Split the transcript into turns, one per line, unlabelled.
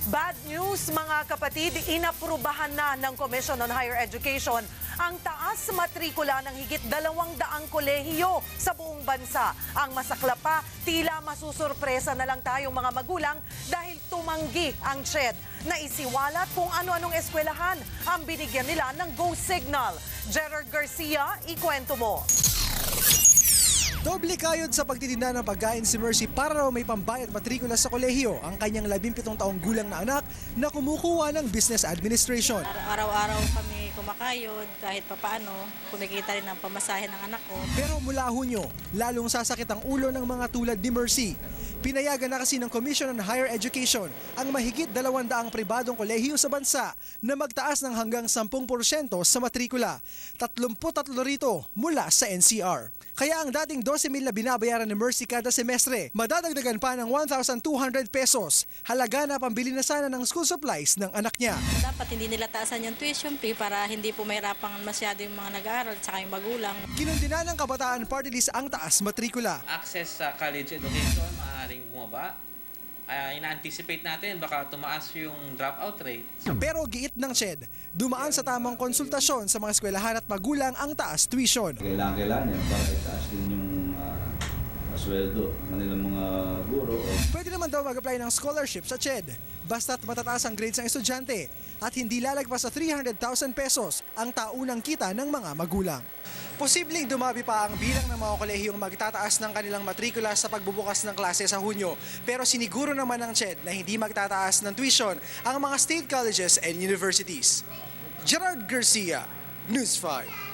Bad news mga kapatid, inaprubahan na ng Commission on Higher Education ang taas matrikula ng higit 200 kolehiyo sa buong bansa. Ang masakla pa, tila masusurpresa na lang tayong mga magulang dahil tumanggi ang CHED na isiwalat kung ano-anong eskwelahan ang binigyan nila ng go signal. Gerard Garcia, ikwento mo.
Doble kayod sa pagtitinda ng pagkain si Mercy para raw may pambayad matrikula sa kolehiyo ang kanyang 17 taong gulang na anak na kumukuha ng business administration.
Araw-araw kami kumakayod kahit papaano, kumikita rin ang pamasahe ng anak ko.
Pero mula Hunyo, lalong sasakit ang ulo ng mga tulad ni Mercy. Pinayagan na kasi ng Commission on Higher Education ang mahigit 200 pribadong kolehiyo sa bansa na magtaas ng hanggang 10% sa matrikula. 33 rito mula sa NCR. Kaya ang dating 12,000 na binabayaran ni Mercy kada semestre, madadagdagan pa ng 1,200 pesos. Halaga na pambili na sana ng school supplies ng anak niya.
Dapat hindi nila taasan yung tuition fee para hindi po mahirapan masyado yung mga nag-aaral at saka yung magulang.
Kinundina ng Kabataan Party List ang taas matrikula.
Access sa college education, maaaring bumaba. Ina-anticipate natin baka tumaas yung dropout rate.
Pero giit ng CHED, dumaan sa tamang konsultasyon sa mga eskwelahan at magulang ang taas tuition.
Kailangan yan para itaas din yung sweldo ng kanilang mga guro.
Pwede naman daw mag-apply ng scholarship sa CHED basta't matataas ang grades ng estudyante at hindi lalagpas sa 300,000 pesos ang taunang kita ng mga magulang. Posibleng dumabi pa ang bilang ng mga kolehiyong magtataas ng kanilang matrikula sa pagbubukas ng klase sa Hunyo. Pero siniguro naman ng CHED na hindi magtataas ng tuition ang mga state colleges and universities. Gerard Garcia, News 5.